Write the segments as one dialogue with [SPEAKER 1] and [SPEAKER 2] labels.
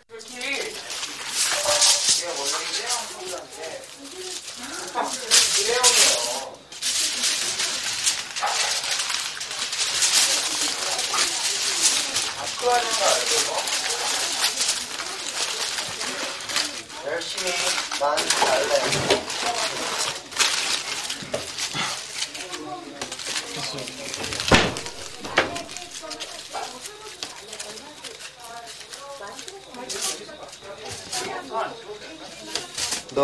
[SPEAKER 1] 솔직히 제가 원래 일회용 소주인데 일회용이에요. 학교하는 거 알죠? 이거? 열심히 많이 잘래.
[SPEAKER 2] 너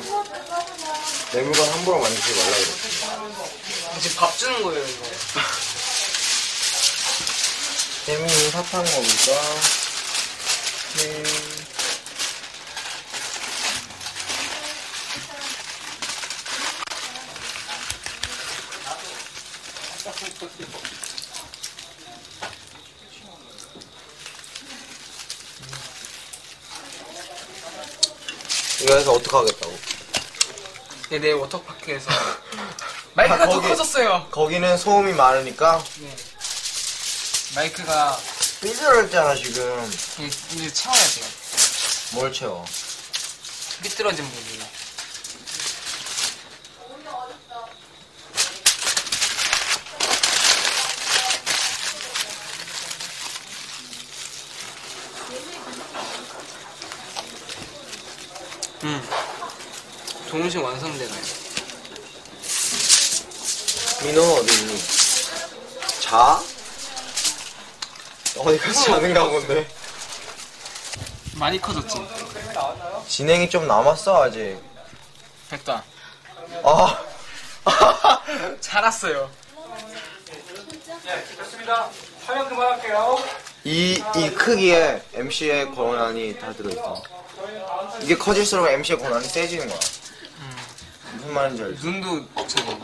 [SPEAKER 2] 내 물건 함부로 만지지 말라 그랬어.
[SPEAKER 3] 지금 밥 주는 거예요, 이거.
[SPEAKER 2] 재민이 사탕 먹을까? 네. 이거 해서 어떡하겠다고?
[SPEAKER 3] 내 워터파크에서 마이크가 더 커졌어요.
[SPEAKER 2] 거기는 소음이 많으니까
[SPEAKER 3] 네. 마이크가
[SPEAKER 2] 삐뚤었잖아 지금.
[SPEAKER 3] 이제 채워야 돼요.
[SPEAKER 2] 뭘 채워?
[SPEAKER 3] 삐뚤어진 부분. 동시에 완성되나요?
[SPEAKER 2] 민호 어디 있니? 자? 어디 가서 자는가 본데.
[SPEAKER 3] 많이 커졌지?
[SPEAKER 2] 진행이 좀 남았어 아직.
[SPEAKER 3] 됐다.
[SPEAKER 2] 아.
[SPEAKER 3] 자랐어요.
[SPEAKER 1] 네, 좋습니다. 촬영 그만할게요.
[SPEAKER 2] 이 크기에 MC의 권한이 다 들어있어. 이게 커질수록 MC의 권한이 세지는 거야. 무슨 말인지 알지?
[SPEAKER 3] 눈도 저거